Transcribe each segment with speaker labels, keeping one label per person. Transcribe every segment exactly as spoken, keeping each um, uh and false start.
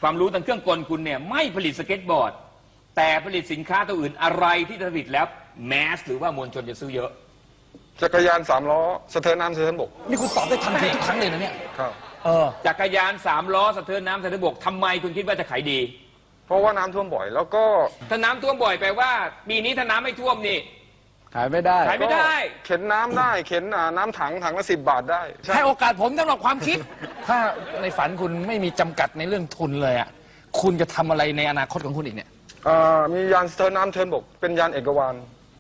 Speaker 1: ความรู้ทางเครื่องกลคุณเนี่ยไม่ผลิตสเก็ตบอร์ดแต่ผลิตสินค้าตัวอื่นอะไรที่ผลิตแล้วแมสหรือว่ามวลชนจะซื้อเยอะ
Speaker 2: จักรยานสามล้อสะเทินน้ำสะเทินบก
Speaker 3: นี่คุณตอบได้ทันทีทุกครั้งเลยนะเนี่ย
Speaker 2: ครับ
Speaker 1: เออจักรยานสามล้อสะเทินน้ำสะเทินบกทำไมคุณคิดว่าจะขายดี
Speaker 2: เพราะว่าน้ำท่วมบ่อยแล้วก็
Speaker 1: ถ้าน้ำท่วมบ่อยแปลว่าปีนี้ถ้าน้ำไม่ท่วมนี่
Speaker 3: ขายไม่ได้
Speaker 1: ขายไม่ได้
Speaker 2: เข็นน้ำได้เข็นน้ำถังถังละสิบบาทได้
Speaker 3: ให้โอกาสผมสำหรับความคิดถ้าในฝันคุณไม่มีจำกัดในเรื่องทุนเลยอ่ะคุณจะทำอะไรในอนาคตของคุณอีกเนี่ย
Speaker 2: มียานสะเทินน้ำสะเทินบกเป็นยานเอกวาน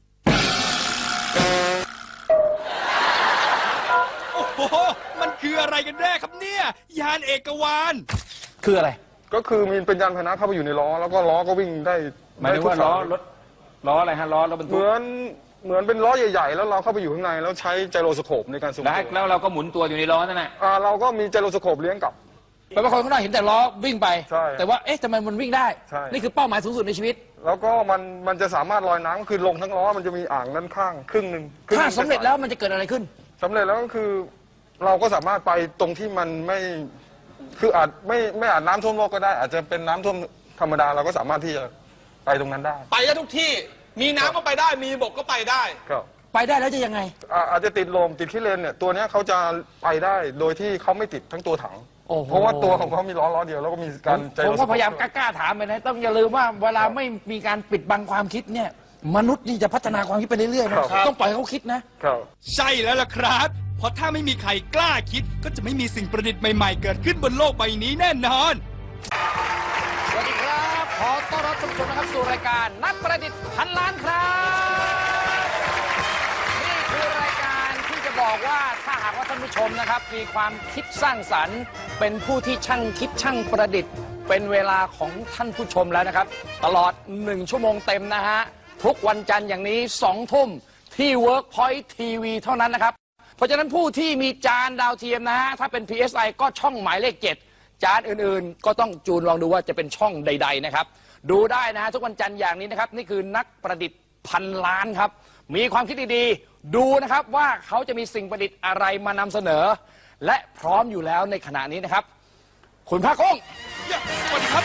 Speaker 4: โอ้โหมันคืออะไรกันแน่ครับเนี่ยยานเอกวาน
Speaker 3: คืออะไร
Speaker 2: ก็คือมีเป็นยานพาหนะเข้าไปอยู่ในล้อแล้วก็ล้อก็วิ่งได้
Speaker 1: หมายถึงว่าล้อรถล้ออะไรฮะล้อรถบรรทุก
Speaker 2: เหมือนเหมือนเป็นล้อใหญ่ๆแล้วเราเข้าไปอยู่ข้างในแล้วใช้ไจโรสโคปในการสูง
Speaker 1: แล้วเราก็หมุนตัวอยู่ในล้อนั่นแหละ
Speaker 2: เราก็มีไจโรสโคปเลี้ยงกลับ
Speaker 3: แปลว่าคนข้างนอกเห็นแต่ล้อวิ่งไปแต่ว่าเอ๊ะทำไมมันวิ่งได้นี่คือเป้าหมายสูงสุดในชีวิต
Speaker 2: แล้วก็มันมันจะสามารถลอยน้ำคือลงทั้งล้อมันจะมีอ่างด้านข้างครึ่งหนึ่ง
Speaker 3: ถ้าสำเร็จแล้วมันจะเกิดอะไรขึ้น
Speaker 2: สำเร็จแล้วก็คือเราก็สามารถไปตรงที่มันไม่คืออาจไม่ไม่อาจน้ำท่วมโลกก็ได้อาจจะเป็นน้ำท่วมธรรมดาเราก็สามารถที่จะไปตรงนั้นได้
Speaker 4: ไปได้ทุกที่มีน้ำก็ไปได้มีบกก็ไปได้
Speaker 2: ครับ
Speaker 3: ไปได้แล้วจะยังไง
Speaker 2: อาจจะติดลมติดขี้เลนเนี่ยตัวนี้เขาจะไปได้โดยที่เขาไม่ติดทั้งตัวถังเพราะว่าตัวของเขามีล้อล้อเดียวแล้วก็มีการ
Speaker 3: ผมก็พยายามกล้าๆถามไปนะต้องอย่าลืมว่าเวลาไม่มีการปิดบังความคิดเนี่ยมนุษย์นี่จะพัฒนาความคิดไปเรื่อยๆนะต้องปล่อยเขาคิดนะ
Speaker 4: ใช่แล้วล่ะครับเพราะถ้าไม่มีใครกล้าคิดก็จะไม่มีสิ่งประดิษฐ์ใหม่ๆเกิดขึ้นบนโลกใบนี้แน่นอน
Speaker 3: สวัสดีครับขอต้อนรับทุกคนนะครับสู่รายการนักประดิษฐ์พันล้านครับนี่คือรายการที่จะบอกว่าถ้าหากว่าท่านผู้ชมนะครับมีความคิดสร้างสรรค์เป็นผู้ที่ช่างคิดช่างประดิษฐ์เป็นเวลาของท่านผู้ชมแล้วนะครับตลอดหนึ่งชั่วโมงเต็มนะฮะทุกวันจันทร์อย่างนี้สองทุ่มที่ Workpoint ที วี เท่านั้นนะครับเพราะฉะนั้นผู้ที่มีจานดาวเทียมนะฮะถ้าเป็น พี เอส ไอ ก็ช่องหมายเลขเจ็ดจานอื่นๆก็ต้องจูนลองดูว่าจะเป็นช่องใดๆนะครับดูได้นะฮะทุกวันจันทร์อย่างนี้นะครับนี่คือนักประดิษฐ์พันล้านครับมีความคิดดีๆดูนะครับว่าเขาจะมีสิ่งประดิษฐ์อะไรมานำเสนอและพร้อมอยู่แล้วในขณะนี้นะครับคุณภาคกุ้ง
Speaker 4: สวัสดีครับ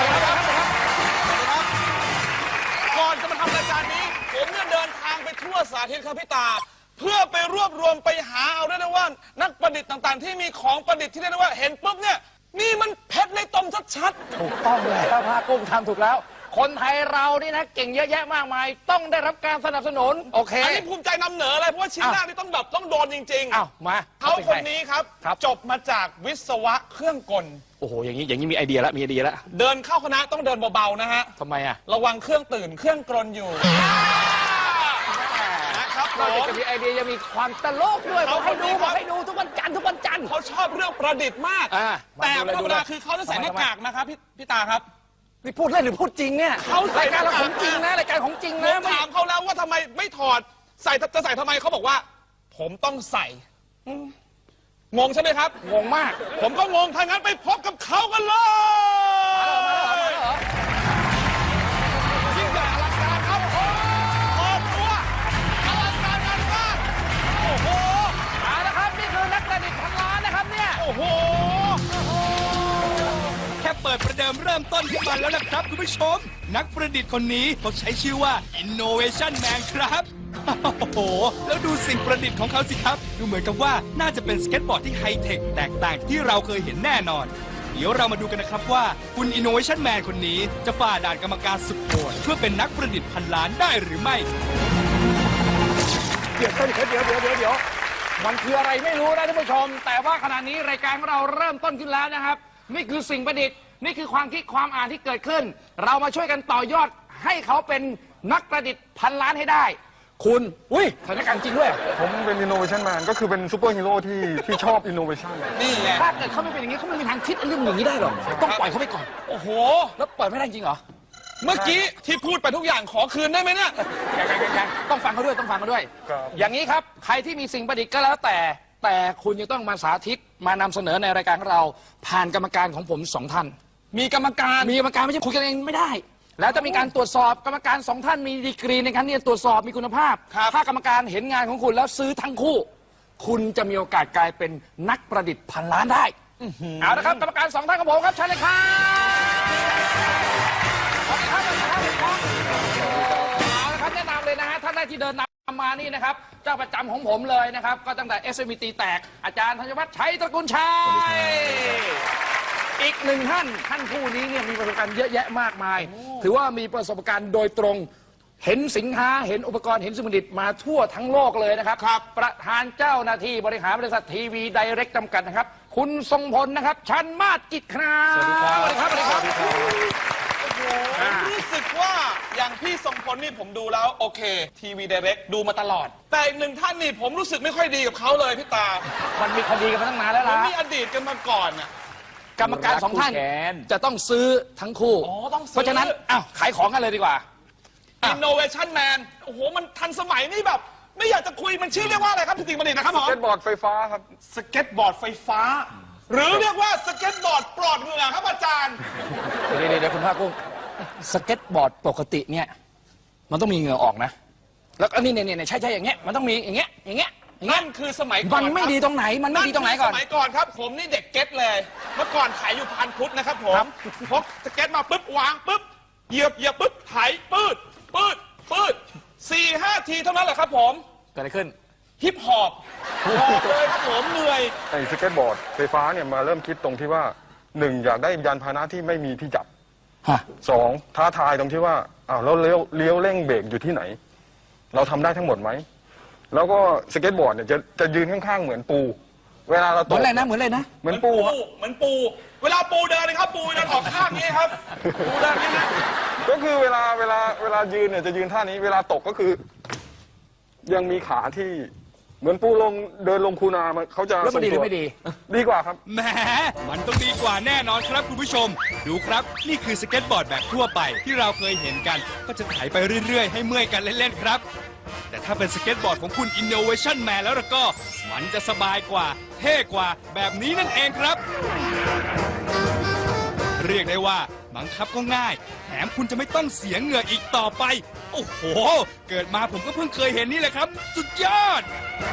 Speaker 4: ก่อนจะมาทำรายการนี้ผมเนี่ยเดินทางไปทั่วสาธิตครับพี่ตาเพื่อไปรวบรวมไปหาเอาได้นะว่านักประดิษฐ์ต่างๆที่มีของประดิษฐ์ที่เรียกว่าเห็นปุ๊บเนี่ยนี่มันเพชรในตมชัด
Speaker 3: ๆถูกต้องเลยภาคกุ้งทำถูกแล้วคนไทยเรานี่นะเก่งเยอะแยะมากมายต้องได้รับการสนับสนุนโอเค
Speaker 4: อันนี้ภูมิใจนำเหนอเลยเพราะว่าชิ้นแรกนี่ต้องแบบต้องโดนจริงๆ
Speaker 3: อ้าวมา
Speaker 4: เขาคนนี้ครับจบมาจากวิศวะเครื่องกล
Speaker 3: โอ้โหอย่างนี้อย่างนี้มีไอเดียแล้วมีไอเดียแล้ว
Speaker 4: เดินเข้าคณะต้องเดินเบาๆนะฮะ
Speaker 3: ทำไมอะ
Speaker 4: ระวังเครื่องตื่นเครื่องกลอยู่
Speaker 3: นะครับนอกจากจะมีไอเดียยังมีความตลกด้วยเขาให้ดูเขาให้ดูทุกวันจันทร์ทุกวันจันทร์
Speaker 4: เขาชอบเรื่องประดิษฐ์มากแต่ธรรมดาคือเขาจะใส่หน้ากากนะครับพี่พี่ตาครับ
Speaker 3: นี่พูดเล่นหรือพูดจริงเนี่ย
Speaker 4: เขา
Speaker 3: รายการเราของจริงนะรายการของจริงนะ
Speaker 4: ถามเขาแล้วว่าทำไมไม่ถอดใส่จะใส่ทำไมเขาบอกว่าผมต้องใส่งงใช่ไหมครับ
Speaker 3: งงมาก
Speaker 4: ผมก็งงถ้างั้นไปพบกับเขากันเลยยิ่งใหญ่อลังการครับโอ้โหตัวอลังการงานมากโอ้โห
Speaker 3: เอาละครับนี่คือนักประดิษฐ์พันล้านนะครับเนี่ย
Speaker 4: โอ้โหแค่เปิดประเดิมเริ่มต้นขึ้นมาแล้วนะครับคุณผู้ชมนักประดิษฐ์คนนี้เขาใช้ชื่อว่า Innovation Man ครับโอ้โหแล้วดูสิ่งประดิษฐ์ของเขาสิครับดูเหมือนกับว่าน่าจะเป็นสเก็ตบอร์ดที่ไฮเทคแตกต่างที่เราเคยเห็นแน่นอนเดี๋ยวเรามาดูกันนะครับว่าคุณ Innovation Man คนนี้จะฝ่าด่านกรรมการสุดโหดเพื่อเป็นนักประดิษฐ์พันล้านได้หรือไม่
Speaker 3: เดี๋ยวเดี๋ยวเดี๋ยวเดี๋ยวเดี๋ยวเดี๋ยวมันคืออะไรไม่รู้นะท่านผู้ชมแต่ว่าขณะนี้รายการของเราเริ่มต้นขึ้นแล้วนะครับนี่คือสิ่งประดิษฐ์นี่คือความคิดความอ่านที่เกิดขึ้นเรามาช่วยกันต่อยอดให้เขาเป็นนักประดิษฐ์พันล้านให้ได้คุณอุ้ยสถานการณ์จริงด้วย
Speaker 2: ผมเป็น Innovation Man ก็คือเป็นซูเปอร์ฮีโร่ที่ที่ชอบ Innovation
Speaker 4: นี่แหละ
Speaker 3: ถ้าเกิดเขาไม่เป็นอย่างนี้เขาไม่มีทางคิดเรื่องอย่างนี้ได้หรอกต้องปล่อยเขาไปก่อน
Speaker 4: โอ้โห
Speaker 3: แล้วปล่อยไม่ได้จริงเหรอ
Speaker 4: เมื่อกี้ที่พูดไปทุกอย่างขอคืนได้ไหมเนี่ย
Speaker 3: ยังต้องฟังเขาด้วยต้องฟังเขาด้วยอย่างนี้ครับใครที่มีสิ่งประดิษฐ์ก็แล้วแต่แต่คุณยังต้องมาสาธิตมานำเสนอในรายการของเราผ่านกรรมการของผมสองท่าน
Speaker 4: มีกรรมการ
Speaker 3: มีกรรมการไม่ใช่คุยกันเองไม่ได้แล้วจะมีการตรวจสอบกรรมการสองท่านมีดีกรีในการที่จะตรวจสอบมีคุณภาพถ้ากรรมการเห็นงานของคุณแล้วซื้อทั้งคู่คุณจะมีโอกาสกลายเป็นนักประดิษฐ์พันล้านได้เอาละครับกรรมการสองท่านของผมครับเชิญเลยครับกที่เดินนำมานี่นะครับเจ้าประจำของผมเลยนะครับก็ตั้งแต่ เอส เอ็ม อี ตีแตกอาจารย์ธัญวัฒน์ชัยตระกูลชัยอีกหนึ่งท่านท่านผู้นี้เนี่ยมีประสบการณ์เยอะแยะมากมาย ถือว่ามีประสบการณ์โดยตรงเห็นสินค้าเห็นอุปกรณ์เห็นสมุดิตมาทั่วทั้งโลกเลยนะครับครับประธานเจ้าหน้าที่บริหารบริษัททีวีไดเรกจำกัดนะครับคุณทรงพลนะครับชันมาศกิจครับสวัสดีครับสวัสดีครับสวัสดีครับ
Speaker 5: รู้สึกว่าอย่างพี่ทรงพลนี่ผมดูแล้วโอเคทีวีไดเรกดูมาตลอด แต่อีกหนึ่งท่านนี่ผมรู้สึกไม่ค่อยดีกับเขาเลยพี่ตา
Speaker 3: มันมีคดีกันมาตั้งนานแล้ว
Speaker 5: ผม
Speaker 3: ล่ะ
Speaker 5: มีอดีตกันมาก่อนน่ะ
Speaker 3: กรรมการสองท่าน
Speaker 1: รักคู่แขน
Speaker 3: จะต้องซื้อทั้งคู่
Speaker 5: อ๋อต้องซื้อ
Speaker 3: เพราะฉะนั้นอ้าวขายของกันเลยดีกว่า
Speaker 5: Innovation Man โอ้โหมันทันสมัยนี่แบบ ไม่อยากจะคุยมันชื่อเรียกว่าอะไรครับพี่ติ๋งประดิษฐ์นะครับหมอ
Speaker 2: สเก็ตบอร์ดไฟฟ้าครับ
Speaker 5: สเก็ตบอร์ดไฟฟ้า หรือเรียกว่าสเก็ตบอร์ดปลอดเหงื่อครับอาจารย์
Speaker 3: เดี๋ยวเดี๋ยวคุณภาคกุ้งสเก็ตบอร์ดปกติเนี่ยมันต้องมีเหงื่อออกนะแล้วอันนี้เนี่ยเนี่ยใช่ใช่อย่างเงี้ยมันต้องมีอย่างเงี้ยอย่างเงี้ยอย่างเงี้
Speaker 5: นั่
Speaker 3: ย
Speaker 5: นคือสมัยก่อน
Speaker 3: มันไม่
Speaker 5: ครับ
Speaker 3: ดีตรงไหนมันไม่ดีตรงไหนก่อน
Speaker 5: สมัยก่อนครับ ผมนี่เด็กเก็ตเลย เมื่อก่อนขายอยู่พันพุทธนะครับผมพกสเก็ตมาปุ๊บวางปุ๊บเหยียบเหยียบปุ๊บไถปืดปืดปืดสี่ห้าทีเท่านั้นแหละครับผม
Speaker 3: เกิดอะไรขึ้น
Speaker 5: ฮิปฮอปหอบเลยครับผมเหนื่อย
Speaker 2: ไอ้สเก็ตบอร์ดไฟฟ้าเนี่ยมาเริ่มคิดตรงที่ว่าหนึ่งอยากได้ยานพาหนะที่ไม่มีที่จับ
Speaker 3: ฮะ
Speaker 2: สองท้าทายตรงที่ว่าอ้าวแล้วเลี้ยวเลี้ยวเร่งเบรกอยู่ที่ไหน เราทำได้ทั้งหมดไหมแล้วก็สเก็ตบอร์ดเนี่ยจะจะยืนข้างๆเหมือนปู เวลาเรา
Speaker 3: เห
Speaker 2: ต
Speaker 3: มือก นอะไรนะเหมือนอะไรนะ
Speaker 2: เหมือนปูครับ
Speaker 5: เหมือนปู เวลาปูเดินนะครับ ปูเดินออกข้างนี้ครับ ปูเดินนี้นะ
Speaker 2: ก็คือเวลาเวลาเวลายืนเนี่ยจะยืนท่านี้ เวลาตกก็คือ ยังมีขาที่เหมือนปูลงเดินลงคูนามันเขาจะ
Speaker 3: แล้วมันดีหรือไม่ดี
Speaker 2: ดีกว่าครับ
Speaker 4: แหมมันต้องดีกว่าแน่นอนครับคุณผู้ชม ดูครับนี่คือสเก็ตบอร์ดแบบทั่วไปที่เราเคยเห็นกัน ก็จะไถไปเรื่อยๆ ให้เมื่อยกันเล่นๆครับ แต่ถ้าเป็นสเก็ตบอร์ดของคุณ Innovation Man แล้วล่ะก็ มันจะสบายกว่า เท่กว่าแบบนี้นั่นเองครับ เรียกได้ว่าบังคับก็ง่าย แถมคุณจะไม่ต้องเสียเหงื่ออีกต่อไป โอ้โห เกิดมาผมก็เพิ่งเคยเห็นนี่แหละครับ สุดยอด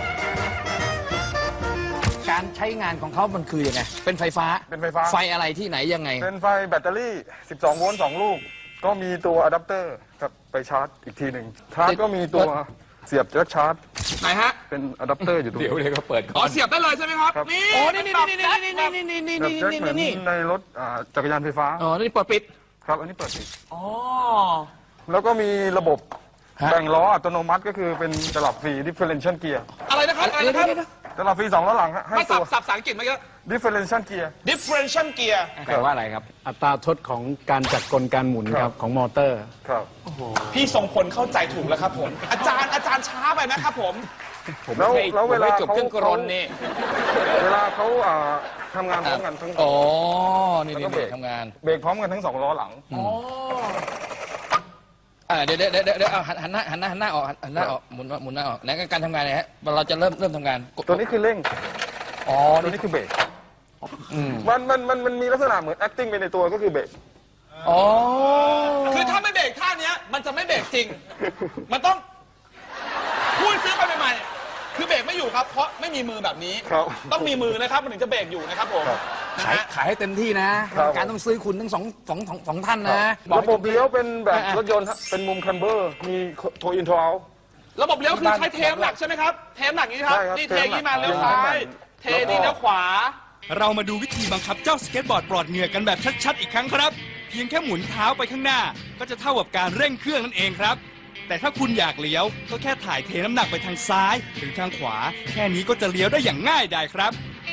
Speaker 3: การใช้งานของเขามันคือยังไงเป็นไฟฟ้า
Speaker 2: เป็นไฟฟ้า
Speaker 3: ไฟอะไรที่ไหนยังไง
Speaker 2: เป็นไฟแบตเตอรี่ สิบสอง โวลต์ สอง ลูก ก็มีตัวอะแดปเตอร์ครับไปชาร์จอีกทีหนึ่งชาร์จก็มีตัวเสียบแจ็คชาร์จ
Speaker 5: ไหนฮะ
Speaker 2: เป็นอะแดปเตอร์อยู่ตรง
Speaker 1: เดี๋ยว
Speaker 2: นี้
Speaker 1: เดี๋ยวก็เปิดก่
Speaker 5: อ๋
Speaker 1: อ
Speaker 5: อน เสียบได้เลยใช่ไหมครับ
Speaker 2: ครับ
Speaker 5: นี่
Speaker 3: โอ้นี่นี่นี่นี่นี่นี่นี่นี่
Speaker 2: แบบ
Speaker 3: นี่
Speaker 2: แจ็คเหมื
Speaker 3: นี่
Speaker 2: อน
Speaker 3: นี่
Speaker 2: ในรถอ่าจักรยานไฟฟ้า
Speaker 3: อ๋อนี่เปิดปิด
Speaker 2: ครับ อันนี้เปิดปิด
Speaker 5: อ๋อ
Speaker 2: แล้วก็มีระบบ
Speaker 3: ฮะ
Speaker 2: แบ่งล้ออัตโนมัติก็คือเป็นตลับฟรี differential gear
Speaker 5: อะไรนะครับอะไร
Speaker 3: เดี๋ยว
Speaker 5: นะครับ
Speaker 3: เดี๋ยวเดี๋ยว
Speaker 2: ตลับฟรีสองล้อหลังฮะให้
Speaker 5: ไม่
Speaker 2: ตั
Speaker 5: สับ
Speaker 2: ว
Speaker 5: สับภาษาอังกฤษมาเยอะ
Speaker 2: differential gear
Speaker 5: differential gear
Speaker 1: แปลว่าอะไรครับ
Speaker 6: อัตราทดของการจัดกลการหมุน
Speaker 2: ค
Speaker 6: ค
Speaker 2: รั
Speaker 6: รับ บของมอเตอร์
Speaker 2: ครับ
Speaker 5: พี่ทรงพลเข้าใจถูกแล้วครับผม อาจารย์อาจารย์ช้าไปนะครับผม
Speaker 1: ผม
Speaker 2: แล้ว
Speaker 1: ไม่
Speaker 2: แล้ว
Speaker 1: ผม
Speaker 2: เวลา
Speaker 1: ไม่จบ
Speaker 2: เขา
Speaker 1: เครื่องกรนนี่
Speaker 2: เวลาเขาอ่าทำงานพร้อมกันทั้ง
Speaker 3: อ๋อนี่
Speaker 2: แล้ว
Speaker 3: นี่
Speaker 2: ก็เบรก
Speaker 3: ทำงาน
Speaker 2: เบรกพร้อมกันทั้งสองล้อหลัง
Speaker 3: อ่าเดี๋ยวเดี๋ยวเดี๋ยวเดี๋ยวเอาหันหันหน้าหันหน้าหันหน้าออกหันหน้าออกหมุนหมุนหน้าออกไหนการทำงานเนี่ยฮะเราจะเริ่มเริ่มทำงานกด
Speaker 2: ตัวนี้คือเร่ง
Speaker 3: อ๋อ
Speaker 2: ตัว
Speaker 3: นี่
Speaker 2: นี้คือเบรก
Speaker 3: อืม
Speaker 2: มันมันมันมันมีลักษณะเหมือน acting ไปในตัวก็คือเบรก
Speaker 3: อ๋อ
Speaker 5: คือถ้าไม่เบรกท่าเนี้ยมันจะไม่เบรกจริง มันต้องพูดซื้อไปใหม่ๆคือเบรกไม่อยู่ครับ เพราะไม่มีมือแบบนี้
Speaker 2: ครับ
Speaker 5: ต้องมีมือนะครับมันถึงจะเบรกอยู่นะครับผม
Speaker 2: ครับ
Speaker 5: นะ
Speaker 3: ขาย
Speaker 5: ฮะ
Speaker 3: ขายให้เต็มที่นะครับ การต้องซื้อคุณทั้งสองสองสองสองท่านนะอก
Speaker 2: ระ
Speaker 3: ให้
Speaker 2: บบ
Speaker 3: ต็มที่
Speaker 2: เลี้ยวเป็นแบบ
Speaker 3: อ่ะ
Speaker 2: รถยนต์ฮะเป็นมุมคันเบอร์ มีโทอินโทเอา
Speaker 5: ระบบเลี้ยวคือใช้เทมหนักใช่ไหมครับ เทมหนักนี้ครับ
Speaker 2: ใช่ครับ
Speaker 5: นี่เท
Speaker 2: เทมหนัก
Speaker 5: นี้มาเลี้ยว
Speaker 2: เทมหนัก
Speaker 5: ซ้าย เท
Speaker 2: แล้วก็
Speaker 5: นี่เลี้ยวขวา
Speaker 4: เรามาดูวิธีบังคับเจ้าสเก็ตบอร์ดปลอดเหงื่อกันแบบชัดๆอีกครั้งครับ เพียงแค่หมุนเท้าไปข้างหน้า ก็จะเท่ากับการเร่งเครื่องนั่นเองครับ แต่ถ้าคุณอยากเลี้ยวก็แค่ถ่ายเทน้ำหนักไปทางซ้ายหรือทางขวา แค่นี้ก็จะเลี้ยวได้อย่างง่ายดายครับ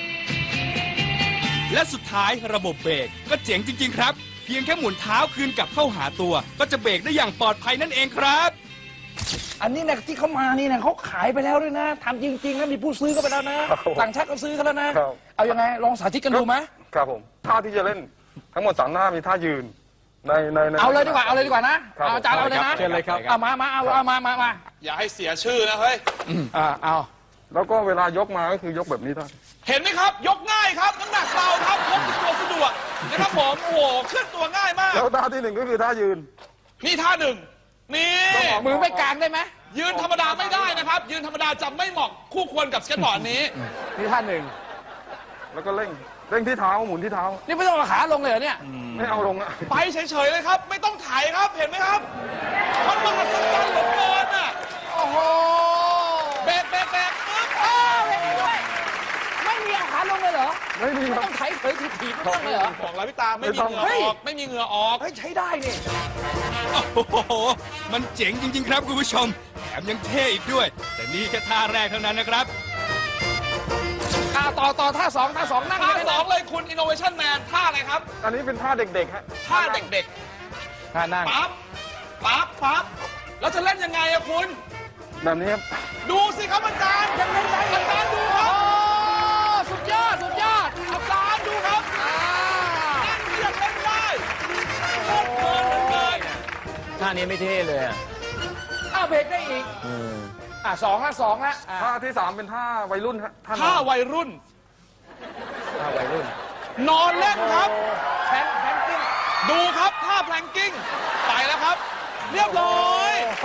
Speaker 4: และสุดท้ายระบบเบรกก็เจ๋งจริงๆครับ เพียงแค่หมุนเท้าคืนกลับเข้าหาตัว ก็จะเบรกได้อย่างปลอดภัยนั่นเองครับ
Speaker 3: อันนี้นะที่เขามานี่นะเขาขายไปแล้วด้วยนะทำจริงๆนะมีผู้ซื้อก็ไปแล้วนะครับ
Speaker 2: ผม
Speaker 3: ต่างชาติก็ซื้อกันแล้วนะ
Speaker 2: ครับ
Speaker 3: เอายังไงลองสาธิตกันดูไหม
Speaker 2: ครับผมท่าที่จะเล่นทั้งหมดสามท่ามีท่ายืนในในใน
Speaker 3: เอาเลยดีกว่าเอาเลยดีกว่านะครับ เอาอาจารย์เอาเลยนะ
Speaker 1: เชิญเลยครับ
Speaker 3: เอามามาเอาเอามามามา
Speaker 5: อย่าให้เสียชื่อนะเฮ้ย
Speaker 3: อ่าเอา
Speaker 2: แล้วก็เวลายกมาก็คือยกแบบนี้ท่าน
Speaker 5: เห็นไหมครับ ยกง่ายครับ น้ำหนักเบาครับพกติดตัวสะดวกนะครับผม โอ้โหเคลื่อนตัวง่ายมาก
Speaker 2: แล้วท่าที่หนึ่งก็คือท่ายืน
Speaker 5: นี่ท่าหนึ่ง นี่
Speaker 3: มือไม่กลางได้ไหม
Speaker 5: ยืนธรรมดาไม่ได้นะครับ ยืนธรรมดาจะไม่เหมาะคู่ควรกับสเก็ตบอร์ดนี้
Speaker 3: นี่ท่านหนึ่ง
Speaker 2: แล้วก็เร่งเร่งที่เท้าหมุนที่เท้า
Speaker 3: นี่ไม่ต้องเอาขาลงเลยเหรอเนี่ย
Speaker 2: ไม่เอาลงอะ
Speaker 5: ไปเฉยๆเลยครับ ไม่ต้องถ่ายครับ เห็นไหมครับ มันมหัศจรรย์เหลือเกินอ่ะ
Speaker 3: โอ้โห
Speaker 5: เบรกเบรกเบรกปึ๊บ
Speaker 3: อ้าวเบรกด้วยไม่มีเอาขาลงเลยเหรอ
Speaker 2: ไม่มี
Speaker 3: ไม่
Speaker 2: ครับ
Speaker 3: ต้องไถเผยถีบๆไม่ต้องเลยเหรอ
Speaker 5: บอกแล้วพี่ตาไม่มีเหงื่อ
Speaker 3: เฮ้ย
Speaker 5: ออกไม่มีเหงื่อออก
Speaker 3: เฮ้ยใช้ได้นี่
Speaker 4: โอ้โห มันเจ๋งจริง ๆ ครับคุณผู้ชม แถมยังเท่อีกด้วย แต่นี่แค่ท่าแรกเท่านั้นนะครับ
Speaker 3: อ่าต่อต่อท่าสองท่าสองนั่ง
Speaker 5: ท่า
Speaker 3: ไม่
Speaker 5: ส
Speaker 3: ได้
Speaker 5: องเลยคุณ Innovation Man ท่าอะไรครับ
Speaker 2: อันนี้เป็นท่าเด็กๆฮะ
Speaker 5: ท่าเด็ก
Speaker 3: ท่านั่ง
Speaker 5: ๆปั๊บปั๊บปั๊บแล้วจะเล่นยังไงอะคุณ
Speaker 2: แบบนี้ครับ
Speaker 5: ดูสิครับอาจารย์ยังเล่นได้อาจารย์ดูค
Speaker 3: โอ้
Speaker 5: รับ
Speaker 3: สุดยอดสุดยอด
Speaker 5: อาจารย์ดูครับ
Speaker 3: อ่า
Speaker 5: นั่งเรียกเล่นได้โคตรเพลินเลย
Speaker 1: ท่านี้ไม่เท่เลยอะ
Speaker 3: อ้าวเบรกได้อีกอ่าสองละสองละอ่า
Speaker 2: ท่าที่สามเป็นท่าวัยรุ่นฮะท่าน
Speaker 5: ท่า
Speaker 2: อน
Speaker 5: วัยรุ่น
Speaker 3: ท่าวัยรุ่น
Speaker 5: นอนเล่นครับ
Speaker 3: แพนแพนกิ้ง
Speaker 5: ดูครับท่าแพลงกิ้งไปแล้วครับ เรียบร้อย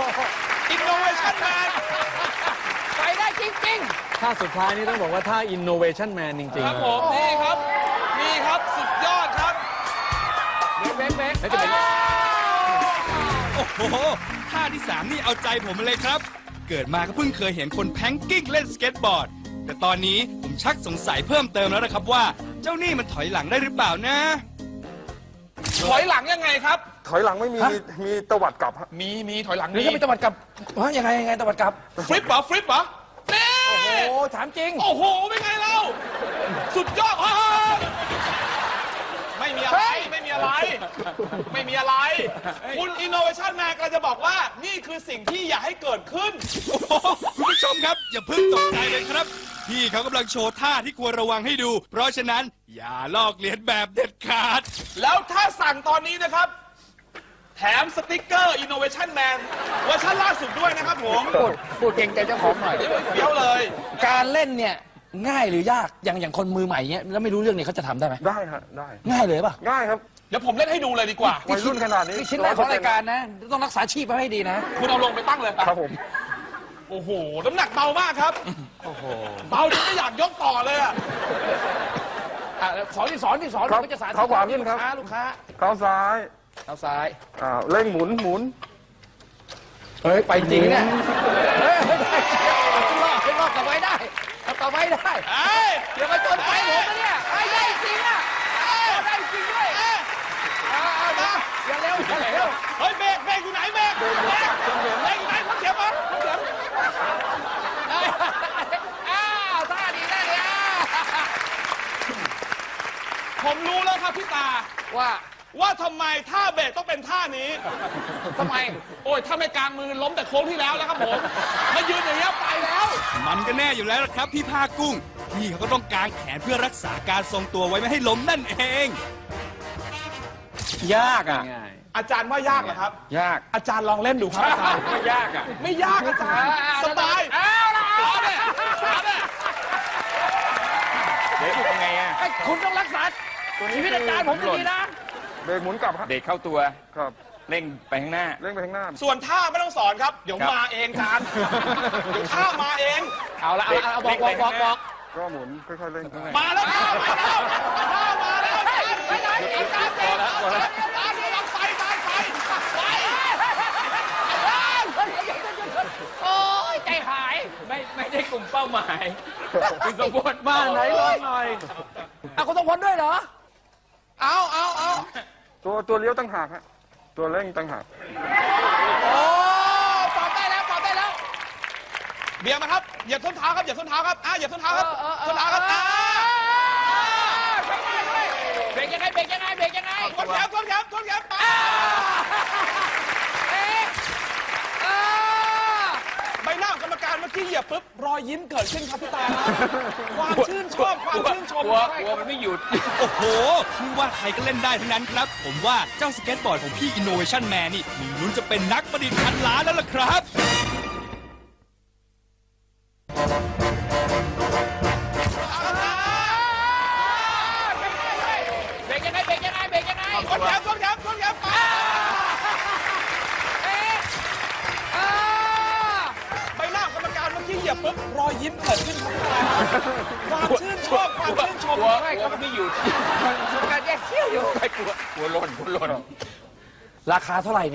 Speaker 5: Innovation Man
Speaker 3: ไปได้จริง
Speaker 6: ท่าสุดท้ายนี่ต้องบอกว่าท่า innovation man จริง
Speaker 5: ค
Speaker 6: ๆ
Speaker 5: รับ
Speaker 6: เล
Speaker 5: ผ
Speaker 6: ย
Speaker 5: มนี่ครับ นี่ครับสุดยอดครับ
Speaker 3: ๆเบรกเบรกเบรก
Speaker 1: แล้วจะเป็น
Speaker 4: โอ้โห ท่าที่สามนี่เอาใจผมมาเลยครับ เกิดมาก็เพิ่งเคยเห็นคนแพงกิ้งเล่นสเก็ตบอร์ด แต่ตอนนี้ผมชักสงสัยเพิ่มเติมแล้วนะครับว่า เจ้านี่มันถอยหลังได้หรือเปล่านะ
Speaker 5: ถอยหลังยังไงครับ
Speaker 2: ถอยหลังไม่มีมีตวัดกลับฮะ
Speaker 5: มีมีถอยหลัง
Speaker 3: หรือ
Speaker 5: มี
Speaker 3: จะไปตะวัดกลับว่ายังไงยังไงตะวัดกลับ
Speaker 5: ฟลิปเหรอฟลิปเหรอนี่
Speaker 3: โอ้ถามจริง
Speaker 5: โอ้โหเป็นไงเราสุดยอดฮ่าไม่มีอะไร
Speaker 3: เฮ้ย
Speaker 5: ไม่มีอะไร ไม่มีอะไร คุณ Innovation Man กำลังจะบอกว่านี่คือสิ่งที่อยากให้เกิดขึ้น
Speaker 4: โอ้โหคุณผู้ชมครับ อย่าเพิ่งตกใจเลยครับ พี่เขากำลังโชว์ท่าที่ควรระวังให้ดู เพราะฉะนั้นอย่าลอกเลียนแบบเด็ดขาด
Speaker 5: แล้วถ้าสั่งตอนนี้นะครับ แถมสติกเกอร์ Innovation Man เวอร์ชันล่าสุดด้วยนะครับผม
Speaker 3: พูดพูดเก่งใจเจ้าของหน่อย
Speaker 5: นี่มันเฟี้ยวเลย
Speaker 3: การเล่นเนี่ยง่ายหรือยากอย่างอย่างคนมือใหม่เนี้ยแล้วไม่รู้เรื่องเนี่ยเขาจะทำได้ไหม
Speaker 2: ได้ฮะได้
Speaker 3: ง่ายเลยป่ะ
Speaker 2: ง่ายครับ
Speaker 5: เดี๋ยวผมเล่นให้ดูเลยดีกว่า
Speaker 2: วัยรุ่นขนาดนี้
Speaker 3: นี่ชิ้นแรกของรายการนะ ต้องรักษาชีพไว้ให้ดีนะ
Speaker 5: คุณเอาลงไปตั้งเลย
Speaker 2: ครับผม
Speaker 5: โอ้โห น้ำหนักเบามากครับ เบาจนไม่อยากยกต่อเลยอะ
Speaker 3: อ่ะสอนที่สอนที่สอน
Speaker 2: ครับ
Speaker 3: ก็จะสาธิต
Speaker 2: เขาขวาขึ้นครับ
Speaker 3: ลูกค้าลูกค้า
Speaker 2: เท้าซ้าย
Speaker 3: เอาซ้าย
Speaker 2: อ่าเร่งหมุนหมุน
Speaker 3: เฮ้ยไปจริงเนี่ยเฮ้ยไม่ได้เอาขึ้นรอบขึ้นรอบกลับไว้ได้เอากลับไว้ได้
Speaker 5: เอ้ย
Speaker 3: เดี๋ยวมาจนไปผมนะเนี่ยไอ้ได้จริงอ่ะได้จริงด้วยเอาเอานะอย่าเร็วอย่าเร็ว
Speaker 5: เฮ้ยเบรกเบรกอยู่ไหนเบรกเบรกเบรกอยู่ไหนพักเขียบมาพักเขียบ
Speaker 3: อ้าวท่าดีท่าดีอ้าว
Speaker 5: ผมรู้แล้วครับพี่ตา
Speaker 3: ว่า
Speaker 5: ว่าทำไมท่าเบรกต้องเป็นท่านี้
Speaker 3: ทำไม
Speaker 5: โอ้ยถ้าไม่กลางมือล้มแต่โค้งที่แล้วแล้วครับผมมายืนอย่างเงี้ยไปแล้ว
Speaker 4: มันก็แน่อยู่แล้วล่ะครับพี่ภาคกุ้ง พี่เขาก็ต้องกางแขนเพื่อรักษาการทรงตัวไว้ไม่ให้ล้มนั่นเอง
Speaker 1: ยากอ่ะ
Speaker 6: ง่าย
Speaker 5: อาจารย์ว่ายากเหรอครับ
Speaker 1: ยาก
Speaker 5: อาจารย์ลองเล่นดูครับอาจารย์
Speaker 1: ไม่ยากอ่ะ
Speaker 5: ไม่ยากอาจารย์สบาย
Speaker 3: เอาละ
Speaker 5: เอาเนี่ยเอาเนี่ย
Speaker 1: เดี๋ยวดูยังไงอ่ะ
Speaker 3: ไอ้คุณต้องรักษาชีวิตอาจารย์ผมดีๆนะ
Speaker 2: เบรกหมุนกลับฮะ
Speaker 1: เด็กเข้าตัว
Speaker 2: ครับ
Speaker 1: เร่งไปข้างหน้า
Speaker 2: เร่งไปข้างหน้า
Speaker 5: ส่วนท่าไม่ต้องสอนครับ เดี๋ยว
Speaker 1: ครับ
Speaker 5: มาเองอาจารย์เดี๋ยวท่ามาเอง
Speaker 3: เอาละเอาละเอาบอกบอกบอกบอก
Speaker 2: ก็หมุนค่อยๆเร่ง
Speaker 5: มาแล้วท่ามาแล้วท่ามาแล้ว
Speaker 3: ไปไหนอาจารย์เก่ง
Speaker 5: อาจารย์ไปไปไปไป
Speaker 3: โอ้ยใจหาย
Speaker 1: ไม่ไม่ได้กลุ่มเป้าหมายคุณสมบูรณ์
Speaker 6: บ้านไหนลองหน่อย
Speaker 3: เอาคุณต้องพ้นด้วยเหรอ เอาเอาเอา
Speaker 2: ตัวตัวเลี้ยวตั้งหากฮะตัวเร่งตั้งหาก
Speaker 3: โอ้ปรับได้แล้วปรับได้แล้ว
Speaker 5: เบียร์มาครับเหยียบส้นเท้าครับเหยียบส้นเท้าครับอ่ะเหยียบส้นเท้าครับ
Speaker 3: เออเออเออ
Speaker 5: ส้นเท้าครับอ่ะ
Speaker 3: เบรกยังไงเบรกยังไงเบรกยังไง
Speaker 5: ทนแขนทนแขนทนแขนไป
Speaker 3: เอ๊ะอ่า
Speaker 5: ใบหน้าของกรรมการเมื่อกี้เหยียบปุ๊บรอยยิ้มเกิดขึ้นครับพี่ตาครับความชื่นชอบความชื่นชม
Speaker 1: กลัวกลัวมันไม่หยุด
Speaker 4: โอ้โหไม่ว่าใครก็เล่นได้ทั้งนั้นครับ ผมว่าเจ้าสเก็ตบอร์ดของพี่ Innovation Man นี่มีลุ้นจะเป็นนักประดิษฐ์พันล้านแล้วล่ะครับ
Speaker 3: เบรกยังไงเบรกยังไงเบรกยังไง
Speaker 5: ทนแขนทนแขนทนแขนไป
Speaker 3: เอ๊ะอ่า
Speaker 5: ใบหน้าของกรรมการเมื่อกี้เหยียบปุ๊บรอยยิ้มเกิดขึ้นครับพี่ตาครับความชื่นชอบความชื่นชม
Speaker 1: กลัวกลัวมันไม่หยุด
Speaker 3: การแยกเขี้ยวอยู่
Speaker 1: ไม่กลัวกลัวหล่นกลัวหล่น
Speaker 3: ราคาเท่าไหร่เนี่ย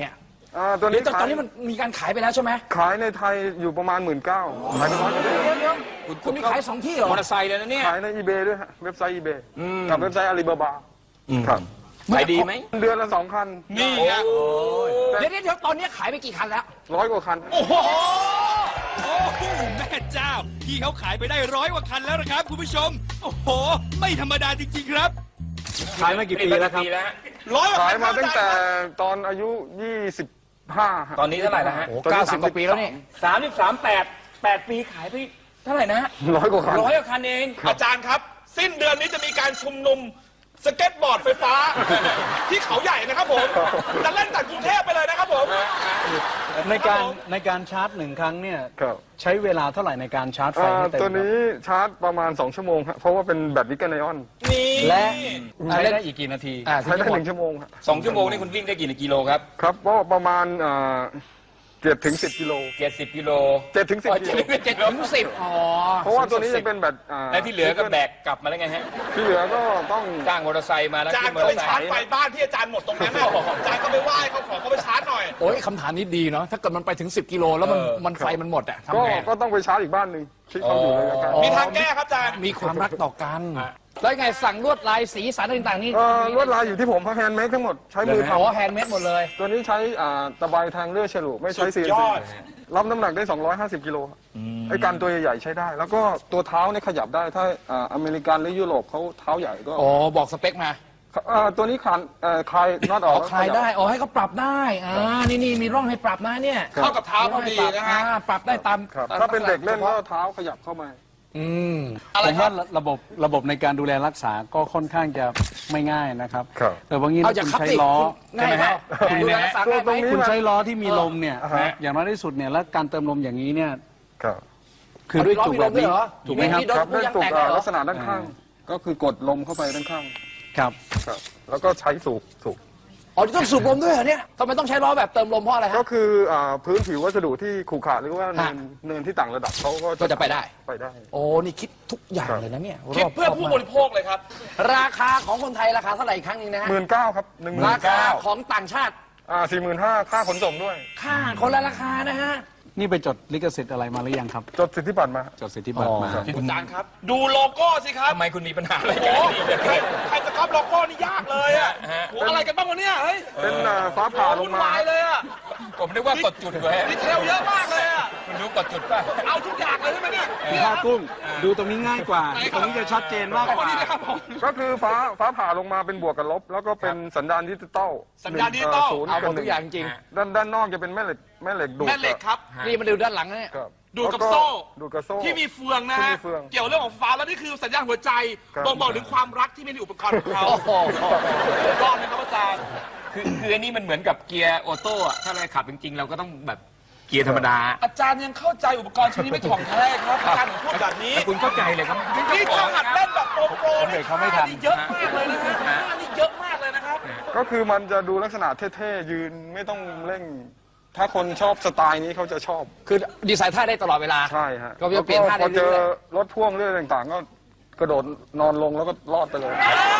Speaker 2: อ่าตัว
Speaker 3: เดี๋
Speaker 2: นี้
Speaker 3: ยวตอนนี้มันมีการขายไปแล้วใช่ไหม
Speaker 2: ขายในไทยอยู่ประมาณหมื่นเก้าขายในร้อยกว่าเดือน
Speaker 3: เดี๋ยวเดี๋ยวคุณมีขายสองที่เหรอ
Speaker 1: มอเตอร์ไซค์เลยนะเนี่ย
Speaker 2: ขายในอีเบด้วยฮะเว็บไซต์อีเบกับเว็บไซต์อาลีบาบาครับ
Speaker 1: ขายดีไหม
Speaker 2: เดือนละสองคัน
Speaker 5: นี่ไง
Speaker 3: เดี๋ยวเดี๋ยวเดี๋ยวตอนนี้ขายไปกี่คันแล้ว
Speaker 2: ร้อยกว่าคัน
Speaker 4: โอ้โหโอ้โหแม่เจ้า พี่เขาขายไปได้ร้อยกว่าคันแล้วนะครับคุณผู้ชม โอ้โห ไม่ธรรมดาจริงๆครับ
Speaker 6: ขายมากี่ปีแล้วครับ
Speaker 5: ร้อยกว่า
Speaker 2: ขาย
Speaker 5: คัน
Speaker 2: มาตั้งแต่
Speaker 5: ได้ครับ
Speaker 2: ตอนอายุยี่สิบห้า
Speaker 1: ตอนนี้เท่าไหร่แล้วฮะ
Speaker 3: โอ้เก้าสิบกว่าปีแล้วนี่
Speaker 1: สามสิบสามแปดแปดปีขายไปเท่าไหร่นะ
Speaker 2: ร้อยกว่าคัน
Speaker 1: ร้อยกว่าคันเอง
Speaker 5: อาจารย์ครับ สิ้นเดือนนี้จะมีการชุมนุมสเก็ตบอร์ดไฟฟ้า ที่เขาใหญ่นะครับผมจะเล่นจากกรุงเทพไปเลยนะครับผม
Speaker 6: ในการในการชาร์จหนึ่งครั้งเนี่ย
Speaker 2: ครับ
Speaker 6: ใช้เวลาเท่าไหร่ในการชาร์จไฟ
Speaker 2: อ่า
Speaker 6: ให้เต็ม
Speaker 2: ตัวนี้ชาร์จประมาณสองชั่วโมงครับเพราะว่าเป็นแบตนิกเกิลไอออน
Speaker 5: นี่
Speaker 6: และใช้ได้อีกกี่นาที
Speaker 3: อ่า
Speaker 2: ใช้ได้หนึ่งชั่วโมงครับ
Speaker 1: สองชั่วโมงนี่คุณวิ่งได้กี่กิโลครับ
Speaker 2: ครับก็ประมาณเจ็ดถึงสิบกิโล
Speaker 1: เจ็ดสิบกิโล
Speaker 2: เจ็ดถึงสิบ
Speaker 1: อ๋อ
Speaker 2: กิโล
Speaker 1: เจ็ดถึงสิบ
Speaker 3: อ๋อ
Speaker 2: เพราะว่าตัวนี้จะเป็นแบตอ่า
Speaker 1: และที่เหลือก็แบกกลับมาแล้วไงฮะ
Speaker 2: ที่เหลือก็ต้อง
Speaker 1: จ้างมอเตอร์ไซค์มาแล้ว
Speaker 5: อาจาร
Speaker 1: ขึ้
Speaker 5: ย์
Speaker 1: นมอ
Speaker 5: ก็
Speaker 1: เต
Speaker 5: ไป
Speaker 1: อร์ไซ
Speaker 5: ชาร์จ
Speaker 1: ค์
Speaker 5: ไฟบ้านที่อาจารย์หมดตรงนั้นน่ะอาจารย์ก็ไปไหว้เขาขอเขาไปชาร์จหน่อย
Speaker 3: โอ้ยคำถามนี้ดีเนาะถ้าเกิดมันไปถึงสิบกิโลแล้วมันมันไฟมันหมดอะ
Speaker 2: ก็
Speaker 3: ทำไง
Speaker 2: ก็ต้องไปชาร์จอีกบ้านหนึ่งที่เขาอยู่เลยละกัน
Speaker 5: มีทางแก้ครับอาจารย์
Speaker 3: มีความรักต่อกัน แล้วไงสั่งลวดลายสีสันต่างๆนี่
Speaker 2: เอ่อลวดลายอยู่ที่ผมแฮนด์เมดทั้งหมดใช้มือ
Speaker 3: อ๋อ
Speaker 2: ทำ
Speaker 3: แฮนด์เมดหมดเลย
Speaker 2: ตัวนี้ใช้อ่าตะไบทางเลื่อยฉลุไม่ใช้
Speaker 5: สุ
Speaker 2: ซี
Speaker 5: ด
Speaker 2: เอ็น
Speaker 5: ย
Speaker 2: ซี
Speaker 5: อด
Speaker 2: รับน้ำหนักได้สองร้อยห้าสิบกิโลครับไอ้กันตัวใหญ่ๆใช้ได้ แล้วก็ตัวเท้าเนี่ยขยับได้ถ้าอ่าอเมริกันหรือยุโรปเขาเท้าใหญ่ก็
Speaker 3: อ๋อ บอกสเปคมา
Speaker 2: อ่าตัวนี้คลานเอ่อคลายน็อตอ
Speaker 3: อ๋
Speaker 2: อ
Speaker 3: อก คลายได้ อ๋อ ให้เขาปรับได้ อ่า นี่นี่มีร่องให้ปรับนะเนี่ย
Speaker 5: เข้ากับเท้าพอดีนะฮะ
Speaker 3: อ่าปรับได้ตาม
Speaker 2: ครับ
Speaker 3: ตม
Speaker 2: ถ้าเป็นเด็กเล่น
Speaker 3: ลั
Speaker 2: ก็
Speaker 3: ษณะ
Speaker 2: เท้าขยับเข้ามา
Speaker 3: อืม
Speaker 6: ผมว่าระบบระบบในการดูแลรักษาก็ค่อนข้างจะไม่ง่ายนะครับ
Speaker 2: ครับ
Speaker 6: แต่บางที
Speaker 3: เอา
Speaker 6: ถ้า
Speaker 3: จาก
Speaker 6: คุณ
Speaker 3: ขับ
Speaker 6: ใช้
Speaker 3: ติ
Speaker 6: ล้อ
Speaker 3: ง่ายไหม
Speaker 6: คุ
Speaker 3: คุณ ณดูแลรักษาง่ายไหม
Speaker 2: ตรงนี้
Speaker 6: คุณใช้ล้อที่มีลมเนี่ย
Speaker 2: อ่าฮะ
Speaker 6: อย่างน้อยที่สุดเนี่ยแล้วการเติมลมอย่างนี้เนี่ย
Speaker 2: ครับ
Speaker 6: คือด้วยจุกแบบนี้
Speaker 3: ล้อมีลมด้วยเหรอ
Speaker 6: ถูกไหมครับ
Speaker 3: มีโดน
Speaker 2: ครับ
Speaker 3: ผู้
Speaker 2: เล่น
Speaker 3: ยัง
Speaker 2: ตุก
Speaker 3: แตก
Speaker 2: อ่า
Speaker 3: เหรอ
Speaker 2: ลักษณะด้านข้าง ก็คือกดลมเข้าไปด้านข้าง
Speaker 6: ครับ
Speaker 2: ครับแล้วก็ใช้สูบสูบ
Speaker 3: อ๋อต้องสูบลมด้วยเหรอเนี่ยทำไมต้องใช้ล้อแบบเติมลมเพราะอะไร
Speaker 2: ก็
Speaker 3: ฮะ
Speaker 2: คืออ่าพื้นผิววัสดุที่ขรุขระหรือว่าเนิน
Speaker 3: ฮะ
Speaker 2: เนินที่ต่างระดับเขาก็
Speaker 3: ก็จะไปได้
Speaker 2: ไปได้
Speaker 3: โอ้ นี่คิดทุกอย่างเลยนะเนี่ย
Speaker 5: คิดเพื่อ
Speaker 3: รบ
Speaker 5: ผู้
Speaker 3: มาก
Speaker 5: บริโภคเลยครับ
Speaker 3: ราคาของคนไทยราคาเท่าไหร่อีกครั้งหนึงนะฮะ
Speaker 2: หมื่นเก้าครับหนึ่งหมื่
Speaker 3: ราน คา
Speaker 2: เก้า
Speaker 3: ของต่างชาติ
Speaker 2: อ่าสี่หมื่นห้าค่าขนส่งด้วย
Speaker 3: ค่าคนละราคานะฮะ
Speaker 6: นี่ไปจดลิขสิทธิ์อะไรมาหรือยังครับ
Speaker 2: จดสิทธิบัตรมา
Speaker 6: จดสิทธิบัตรมา
Speaker 3: อ๋อ
Speaker 5: อาจารย์ครับ ดูโลโก้สิครับ
Speaker 1: ทำไมคุณมีปัญหาอะไร
Speaker 5: โอ้
Speaker 1: กัน
Speaker 5: โหใครใครจะก๊อปโลโก้นี่ยากเลยอ่ะโอ้อะไรกันบ้างวะเนี่ยเฮ้ย
Speaker 2: เป็นอ่าฟ้าผ่าล
Speaker 5: วุ่
Speaker 2: ง
Speaker 5: น
Speaker 2: มา
Speaker 5: วายเลยอ่ะ
Speaker 1: ผมนึกว่ากดจุดเลย
Speaker 5: ดีเทลเยอะมากเลยอ่ะ
Speaker 1: คุณรู้กดจุดป่ะ
Speaker 5: เอาทุกอย่างเลยใช่ไหมเนี่ย
Speaker 6: คุณภาคกุ้ง ดูตรงนี้ง่ายกว่า ตรงนี้จะชัดเจนมากก
Speaker 5: ขอบ
Speaker 6: ว่า
Speaker 5: คุณนะครับผม
Speaker 2: ก็คือฟ้าฟ้าผ่าลงมาเป็นบวกกับลบ แล้วก็เป็นสัญญาณดิจิตอล
Speaker 5: สัญญาณดิจิตอล
Speaker 2: ศูนย์
Speaker 3: เอาหม
Speaker 2: กับ
Speaker 3: ด
Speaker 2: ห
Speaker 3: ทุ
Speaker 2: นึ่
Speaker 3: กอย่างจริง
Speaker 2: ด้านด้านนอกจะเป็นแม่เหล็กแม่เหล็กดูด
Speaker 5: แม่เหล็กครับ
Speaker 3: นี่มาดูด้านหลังนะเนี่ย
Speaker 2: ครับ
Speaker 5: ดูดกับ
Speaker 2: แล้ว
Speaker 5: โซ่
Speaker 2: ดูดกับโซ่
Speaker 5: ที่มีเฟืองนะ
Speaker 2: ที่
Speaker 5: ฮะ
Speaker 2: มีเฟือง
Speaker 5: เกี่ยวเรื่องของฟ้าแล้วนี่คือสัญญาณหัวใจ
Speaker 2: ครับ
Speaker 5: บ่งบอกถึงความรักที่มีในอุปกรณ์ของเขา
Speaker 3: โอ้โห
Speaker 5: สุดยอดนะครับอาจารย์
Speaker 1: คือคืออันนี้มันเหมือนกับเกียร์ออโต้อะถ้าเราขับจริงๆ เราก็ต้องแบบเกียร์ธรรมดา
Speaker 5: อาจารย์ยังเข้าใจอุปกรณ์ชิ้นนี้ไม่ถ่องแท้ครับอาจารย์ถึงพูดแบบนี้
Speaker 1: แต่คุณเข้าใจเลยครับ
Speaker 5: นี่ถ้าหัดเล่นแบบโปรโปร
Speaker 6: ผมเบรกเขาไม่ทัน
Speaker 5: นี่เยอะมากเลยนะฮะท่านี่เยอะมากเลยนะครับ
Speaker 2: ก็คือมันจะดูลักษณะเท่ๆยืนไม่ต้องเร่ง ถ้าคนชอบสไตล์นี้เขาจะชอบ
Speaker 3: คือดีไซน์ท่าได้ตลอดเวลา
Speaker 2: ใช่ฮะ
Speaker 3: ก็จะเปลี่ยนท่าได้
Speaker 2: พอเจอ
Speaker 3: เรื่อย
Speaker 2: รถพ่วงเรื่องต่างๆ ก็กระโดดนอนลงแล้วก็รอดไปเลย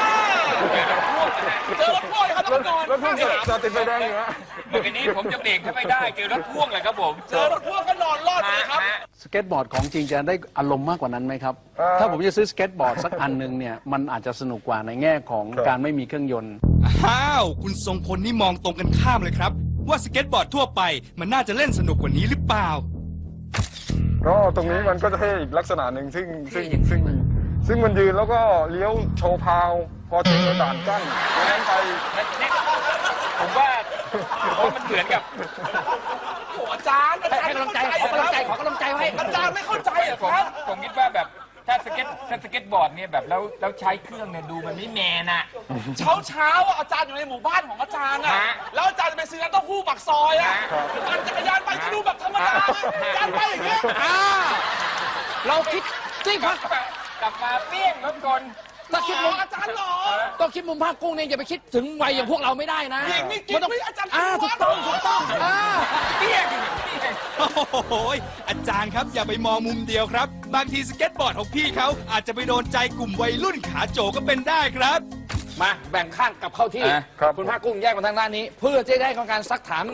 Speaker 5: เจอรถพ่วงครับรถนอน
Speaker 2: รถพ่วงจะติดไฟแดงอยู่ฮะ
Speaker 1: เมื่อกี้นี้ผมจะเบรกไม่ได้เจอรถพ่วงเลยครับผม
Speaker 5: เจอรถพ่วงก็นอนรอดเลยครับ
Speaker 1: ฮะ
Speaker 6: สเก็ตบอร์ดของจริงจะได้อารมณ์มากกว่านั้นไหมครับ
Speaker 2: เอ่อ
Speaker 6: ถ้าผมจะซื้อสเก็ตบอร์ดสักอันหนึ่งเนี่ย มันอาจจะสนุกกว่าในแง่ของ
Speaker 2: ครับ
Speaker 6: การไม่มีเครื่องยนต์
Speaker 4: อ้าว คุณทรงพลนี่มองตรงกันข้ามเลยครับ ว่าสเก็ตบอร์ดทั่วไปมันน่าจะเล่นสนุกกว่านี้หรือเปล่า
Speaker 2: ก็ตรงนี้มันก็จะเท่อีกลักษณะหนึ่งซึ่งซึ่งซึ่งซึ่งมันยืนแล้วก็เลี้ยวโชว์พาว พอเจอด่านกั้นแล้วนั้นไป
Speaker 1: ผมว่าผมว่ามันเหมือนกับ
Speaker 5: โอ้อาจารย์อาจาร
Speaker 3: ให้
Speaker 5: ย์
Speaker 3: กำลังใจ ขอกำลังใจ ขอกำลังใจไว้
Speaker 5: อาจารย์ไม่เข้าใจเหรอ
Speaker 1: ผม
Speaker 5: ครับ
Speaker 1: ผมคิดว่าแบบถ้าสเก็ตถ้าสเก็ตบอร์ดเนี่ยแบบแล้วแล้วใช้เครื่องเนี่ยดูมันไม่แมนอะ
Speaker 5: เช้าเช้าๆอ่ะอาจารย์อยู่ในหมู่บ้านของอาจารย์อ่ะ
Speaker 1: ฮะ
Speaker 5: แล้วอาจารย์จะไปซื้อน้ำเต้าหู้ปากซอยอ่ะ
Speaker 1: ฮะ
Speaker 5: ปั่นจักรยานไปก็ดูแบบธรรมดานะอาจารย์ไปอย่างเงี้ย
Speaker 3: อ่า เราคิดที่พัก
Speaker 1: กลับมาเปี้ยงรถกล
Speaker 3: ถ้าคิด
Speaker 5: หร
Speaker 3: มุ
Speaker 5: อ
Speaker 3: ม
Speaker 5: อาจารย์หรอ
Speaker 3: ต้องคิดมุมภาคกุ้งเนี่ยอย่าไปคิดถึงวัยอย่างพวกเราไม่ได้นะ
Speaker 5: หญิงนี่กิ๊ก
Speaker 3: นต้อง
Speaker 5: ไม่อาจารย์
Speaker 3: อ่า
Speaker 5: คิ
Speaker 3: ถู
Speaker 5: ด
Speaker 3: ก
Speaker 5: ว่า
Speaker 3: ต้องถูกต้องอ่า
Speaker 1: เปี้ยง
Speaker 4: โอ้โหยอาจารย์ครับอย่าไปมองมุมเดียวครับ บางทีสเก็ตบอร์ดของพี่เขาอาจจะไปโดนใจกลุ่มวัยรุ่นขาโจก็เป็นได้ครับ
Speaker 3: มาแบ่งข้างกลับเข้าที่
Speaker 1: อ่ะ
Speaker 2: ครับ
Speaker 3: คุณภาคกุ้งแยกมาทางด้านนี้ เพื่อจะได้ของการซักถาม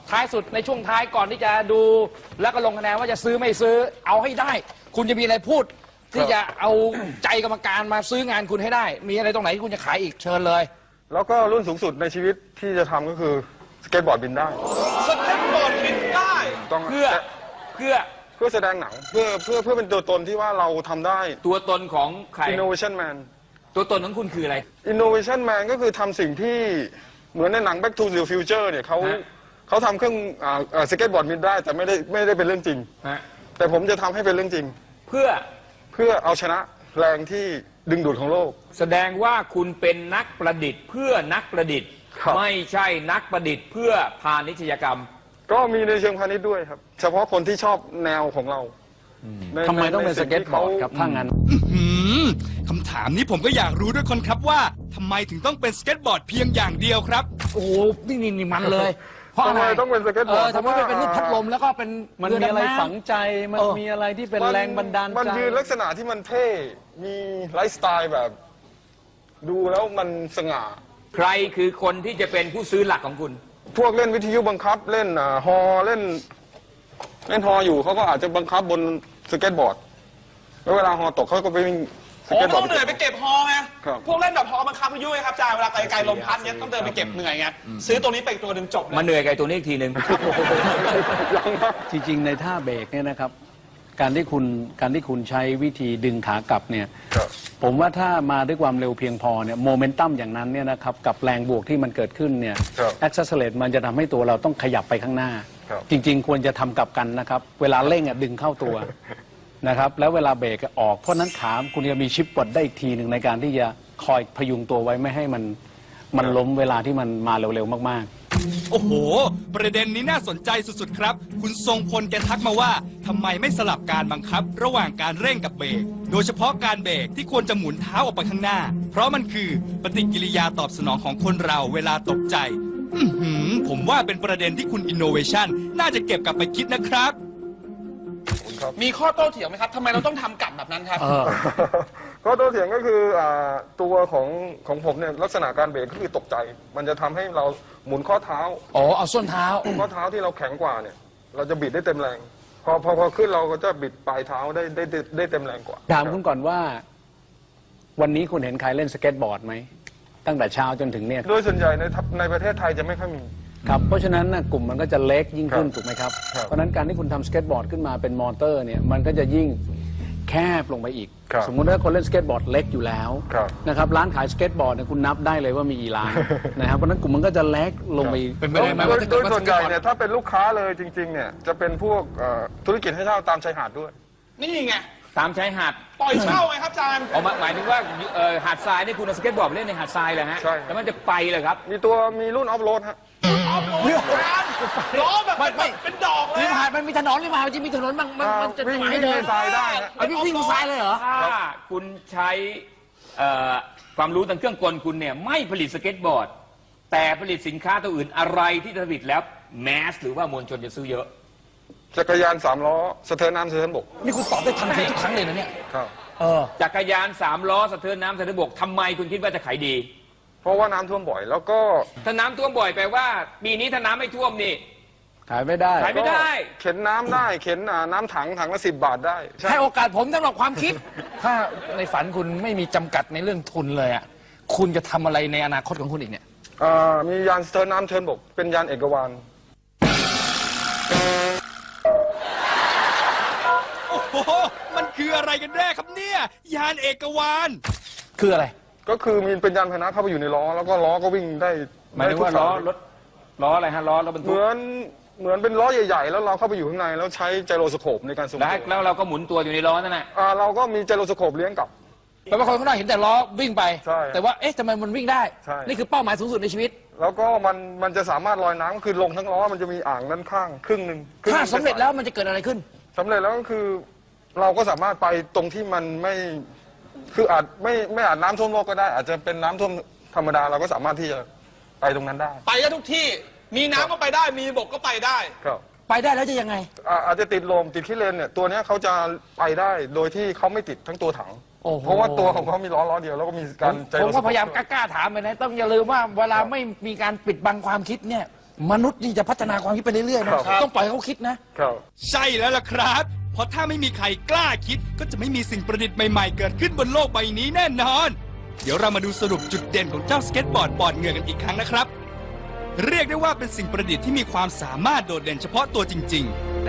Speaker 3: ท้ายสุดในช่วงท้ายก่อนที่จะดูแล้วก็ลงคะแนนว่าจะซื้อไม่ซื้อเอาให้ได้ คุณจะมีอะไรพูด ที่จะเอาใจกรรมการมาซื้องานคุณให้ได้ มีอะไรตรงไหนที่คุณจะขายอีกเชิญเลย
Speaker 2: แล้วก็รุ่นสูงสุดในชีวิตที่จะทำก็คือสเก็ตบอร์ดบินได้
Speaker 5: สเก็ตบอร์ดบินได้
Speaker 2: ต้อง
Speaker 1: เพื่อเพื่อ
Speaker 2: เพื่อแสดงหนังเพื่อเพื่อเพื่อเป็นตัวตนที่ว่าเราทำได้
Speaker 1: ตัวตนของใคร
Speaker 2: innovation man
Speaker 1: ตัวตนของคุณคืออะไร
Speaker 2: innovation man ก็คือทำสิ่งที่เหมือนในหนัง Back to the Future เนี่ยเขา
Speaker 1: ฮะ
Speaker 2: เขาทำเครื่องอ่าอ่าสเก็ตบอร์ดบินได้แต่ไม่ได้ไม่ได้เป็นเรื่องจริง
Speaker 1: ฮะ
Speaker 2: แต่ผมจะทำให้เป็นเรื่องจริง
Speaker 1: เพื่อ
Speaker 2: เพื่อเอาชนะแรงที่ดึงดูดของโลก
Speaker 1: แสดงว่าคุณเป็นนักประดิษฐ์ เพื่อนักประดิษฐ์
Speaker 2: ครับ
Speaker 1: ไม่ใช่นักประดิษฐ์ เพื่อพาณิชยกรรม
Speaker 2: ก็มีในเชิงพาณิชย์ด้วยครับ เฉพาะคนที่ชอบแนวของเราใน
Speaker 6: ทำไมต้องเป็น
Speaker 2: ใน
Speaker 6: ส
Speaker 2: สิ่
Speaker 6: เก็ต
Speaker 2: ที่
Speaker 6: บอ
Speaker 2: ขา
Speaker 6: ร์ดครับถ้างั้น
Speaker 4: หืมคำถามนี้ผมก็อยากรู้ด้วยคนครับว่าทำไมถึงต้องเป็นสเก็ตบอร์ดเพียงอย่างเดียวครับ
Speaker 3: โอ้โหนี่นี่นี่มันเลย เพราะ
Speaker 2: ทำ
Speaker 3: อะไร
Speaker 2: ไมต้องเป็นสเก็ตบอร์ด
Speaker 3: ทำไมไม่เป็นรูปพัดลมแล้วก็เป็น
Speaker 6: มัน
Speaker 3: เรือ
Speaker 6: มีอะไร
Speaker 3: ดำน้ำ
Speaker 6: ฝังใจ มัน
Speaker 3: เออ
Speaker 6: มีอะไรที่เป็น
Speaker 2: มัน
Speaker 6: แรงบันดาล
Speaker 2: มัน
Speaker 6: ใจ
Speaker 2: ยืนลักษณะที่มันเท่ มีไลฟ์สไตล์แบบ ดูแล้วมันสง่า
Speaker 1: ใครคือคนที่จะเป็นผู้ซื้อหลักของคุณ
Speaker 2: พวกเล่นวิทยุบังคับเล่นอ่าฮอเล่น เล่นฮออยู่เขาก็อาจจะบังคับบนสเก็ตบอร์ด แล้วเวลาฮอตกเขาก็ไปวิ่งส
Speaker 5: โอ้
Speaker 2: เก็ต
Speaker 5: ไม่
Speaker 2: บอ
Speaker 5: ต้
Speaker 2: ร์
Speaker 5: อง
Speaker 2: ด
Speaker 5: เหนื่อยไปเก็บฮอไง
Speaker 2: ครับ
Speaker 5: พวกเล่นแบบฮอบังคับวิทยุไงครับอาจารย์เวลาไกลๆลมพัดเนี้ยต้องเดินไปเก็บเหนื่อยไงซื้อตัวนี้ไปอีกตัวหนึ่งจบเลย
Speaker 1: มาเหนื่อยกับไอ้ตัวนี้อีกทีหนึ่ง
Speaker 2: ยังนะ
Speaker 6: จริงๆ ในท่าเบรกเนี่ยนะครับ การที่คุณการที่คุณใช้วิธีดึงขากลับเนี่ย
Speaker 2: ครับ
Speaker 6: ผมว่าถ้ามาด้วยความเร็วเพียงพอเนี่ยโมเมนตัมอย่างนั้นเนี่ยนะครับกับแรงบวกที่มันเกิดขึ้นเนี่ย
Speaker 2: ครับ
Speaker 6: แอคเซสเลตมันจะทำให้ตัวเราต้องขยับไปข้างหน้า
Speaker 2: ครับ
Speaker 6: จริง ๆ ควรจะทำกลับกันนะครับ เวลาเร่งอ่ะดึงเข้าตัว นะครับแล้วเวลาเบรกออกเพราะนั้นขาคุณจะมีชิปปลดได้อีกทีหนึ่งในการที่จะคอยพยุงตัวไว้ไม่ให้มันมันล้มเวลาที่มันมาเร็วๆมากๆ
Speaker 4: โอ้โห ประเด็นนี้น่าสนใจสุดๆครับ คุณทรงพลแกทักมาว่าทำไมไม่สลับการบังคับ ระหว่างการเร่งกับเบรก โดยเฉพาะการเบรกที่ควรจะหมุนเท้าออกไปข้างหน้า เพราะมันคือปฏิกิริยาตอบสนองของคนเราเวลาตกใจ อื้อหือผมว่าเป็นประเด็นที่คุณ Innovation น่าจะเก็บกลับไปคิดนะครับ
Speaker 5: มีข้อโต้เถียงไหมครับทำไมเราต้องทำกลับแบบนั้นครับ
Speaker 2: ก็ตัวเถียงก็คืออ่าตัวของของผมเนี่ยลักษณะการเบรกก็คือตกใจ มันจะทำให้เราหมุนข้อเท้า
Speaker 3: อ๋อเอาส้นเท้า
Speaker 2: ข้อเท้าที่เราแข็งกว่าเนี่ย เราจะบิดได้เต็มแรง พอพอพอขึ้นเราก็จะบิดปลายเท้าได้ได้ได้ได้เต็มแรงกว่า
Speaker 6: ถามคุณก่อนว่า วันนี้คุณเห็นใครเล่นสเก็ตบอร์ดไหมตั้งแต่เช้าจนถึงเนี่ย
Speaker 2: โดยส่วนใหญ่ในทัพในประเทศไทยจะไม่ค่อยมี
Speaker 6: ครับเพราะฉะนั้นนะกลุ่มมันก็จะเล็กยิ่งขึ้น
Speaker 2: ครับ
Speaker 6: ถูกไหมครับ
Speaker 2: ครับ
Speaker 6: เพราะฉะนั้นการที่คุณทำสเก็ตบอร์ดขึ้นมาเป็นมอเตอร์เนี่ยมันก็จะยิ่งแคบลงไปอีก
Speaker 2: ครับ
Speaker 6: สมมุติว่าคนเล่นสเก็ตบอร์ดเล็กอยู่แล้ว
Speaker 2: ครับ
Speaker 6: นะครับร้านขายสเก็ตบอร์ดเนี่ยคุณนับได้เลยว่ามีกี่ร้าน นะครับเพราะฉะนั้นกลุ่มมันก็จะเล็กลงไปอีก
Speaker 3: เป็นไปได้ไหม
Speaker 2: โด
Speaker 3: ว่าย ถ้า
Speaker 2: โด
Speaker 3: เกิด
Speaker 2: ย
Speaker 3: ว่า
Speaker 2: ส่วนใหญ่
Speaker 3: สเก็ตบอร์ด
Speaker 2: เนี่ยถ้าเป็นลูกค้าเลยจริงๆเนี่ยจะเป็นพวกเอ่อธุรกิจให้เช่าตามชายหาดด้วย
Speaker 5: นี่ไง
Speaker 1: ตามชายหาด
Speaker 5: ปล่อยเช่าไงครับอาจารย์
Speaker 1: เอามาหมายถึงว่าเอ่อหาดทรายนี่คุณเอาสเก็ตบอร์ดไปเล่นในหาดทรายเลยฮะ
Speaker 2: ใช่
Speaker 1: แล้วมันจะไปเลยครับ
Speaker 2: มีตัวมีรุ่นออฟโรดฮะ
Speaker 5: ออฟโรดอาจารย์ล้อแบบ
Speaker 3: ไม่ไม่
Speaker 5: เป็นดอกเลย
Speaker 3: ริม
Speaker 5: อะ
Speaker 3: หาดมันมีถนนริมหาดมันจะมีถนนบางมันมันจะ
Speaker 2: วิ่ง
Speaker 3: ให้
Speaker 2: วิ่ง
Speaker 3: เดิ
Speaker 2: ใน
Speaker 3: น
Speaker 2: ทรายได้ฮะ
Speaker 3: เอาวิ่งวิ่งบนทรายเลยเหรอ
Speaker 1: ถ้าคุณใช้เอ่อความรู้ทางเครื่องกลคุณเนี่ยไม่ผลิตสเก็ตบอร์ด แต่ผลิตสินค้าตัวอื่นอะไรที่ผลิตแล้วแมสหรือว่ามวลชนจะซื้อเยอะ
Speaker 2: จักรยานสามล้อสะเทินน้ำสะเทินบก
Speaker 3: นี่คุณตอบได้ทันทีทุกครั้งเลยนะเนี่ย
Speaker 2: ครับ
Speaker 3: เออ
Speaker 1: จักรยานสามล้อสะเทินน้ำสะเทินบกทำไมคุณคิดว่าจะขายดี
Speaker 2: เพราะว่าน้ำท่วมบ่อย แล้วก็
Speaker 1: ถ้าน้ำท่วมบ่อยแปลว่าปีนี้ถ้าน้ำไม่ท่วมนี่
Speaker 6: ขายไม่ได้
Speaker 1: ขายไม่ได้
Speaker 2: เข็นน้ำได้เข็นอ่าน้ำถังถังละสิบบาทได้ใช่
Speaker 3: ให้โอกาสผมสำหรับความคิด ถ้าในฝันคุณไม่มีจำกัดในเรื่องทุนเลยอ่ะ คุณจะทำอะไรในอนาคตของคุณอีกเนี่ย
Speaker 2: อ่ามียานสะเทินน้ำสะเทินบก เป็นยานเอกวาน
Speaker 4: โอ้โห มันคืออะไรกันแน่ครับเนี่ย ยานเอกวาน
Speaker 3: คืออะไร
Speaker 2: ก็คือมีเป็นยานพาหนะเข้าไปอยู่ในล้อ แล้วก็ล้อก็วิ่งได้
Speaker 1: หมายถึงว่า
Speaker 2: ได้ทุก
Speaker 1: ล้อ
Speaker 2: สย
Speaker 1: รถล้ออะไรฮะล้อรถบรร
Speaker 2: เห
Speaker 1: ทุก
Speaker 2: มือนเหมือนเป็นล้อใหญ่ๆ แล้วเราเข้าไปอยู่ข้างในแล้วใช้ไจโรสโคปในการทรง
Speaker 1: แล้ว
Speaker 2: ตัว
Speaker 1: แล้วเราก็หมุนตัวอยู่ในล้อนั่นแหละ
Speaker 2: อ่าเราก็มีไจโรสโคปเลี้ยงกลับ
Speaker 3: แปลว่าคนข้างนอกเห็นแต่ล้อวิ่งไป
Speaker 2: ใช่
Speaker 3: แต่ว่า เอ๊ะทำไมมันวิ่งได้
Speaker 2: ใช่
Speaker 3: นี่คือเป้าหมายสูงสุดในชีวิต
Speaker 2: แล้วก็มันมันจะสามารถลอยน้ำก็คือลงทั้งล้อมันจะมีอ่างด้านข้างครึ่งหนึ่งคงห
Speaker 3: ถ้า
Speaker 2: นึ่ง
Speaker 3: สำเร็จแล้วมันจะเกิดอะไรขึ้น
Speaker 2: สำเร็จแล้วก็คือ เราก็สามารถไปตรงที่มันไม่คืออาจไม่ไม่อาจน้ำท่วมโลกก็ได้ อาจจะเป็นน้ำท่วมธรรมดาเราก็สามารถที่จะไปตรงนั้นได้
Speaker 5: ไปได้ทุกที่ มีน้ำก็ไปได้ มีบกก็ไปได้
Speaker 2: ครับ
Speaker 3: ไปได้แล้วจะยังไง
Speaker 2: อ่าอาจจะติดลมติดขี้เลนเนี่ยตัวเนี้ยเขาจะไปได้โดยที่เขาไม่ติดทั้งตัวถัง
Speaker 3: โอ้โห
Speaker 2: เพราะว่าตัวของเขามีล้อล้อเดียวแล้วก็มี
Speaker 3: ผ
Speaker 2: การ
Speaker 3: ม
Speaker 2: ใจ
Speaker 3: ผมก็พยายาม
Speaker 2: รส
Speaker 3: กล้าๆถามไปนะ ต้องอย่าลืมว่าเวลาไม่มีการปิดบังความคิดเนี่ยมนุษย์นี่จะพัฒนาความคิดไปเรื่อยๆนะครับ ต้องปล่อยให้เขาคิดนะ
Speaker 2: ครับ
Speaker 4: ใช่แล้วล่ะครับ เพราะถ้าไม่มีใครกล้าคิด ก็จะไม่มีสิ่งประดิษฐ์ใหม่ๆ เกิดขึ้นบนโลกใบนี้แน่นอน เดี๋ยวเรามาดูสรุปจุดเด่นของเจ้าสเก็ตบอร์ดปอดเหงื่อกันอีกครั้งนะครับ เรียกได้ว่าเป็นสิ่งประดิษฐ์ที่มีความสามารถโดดเด่นเฉพาะตัวจริงๆ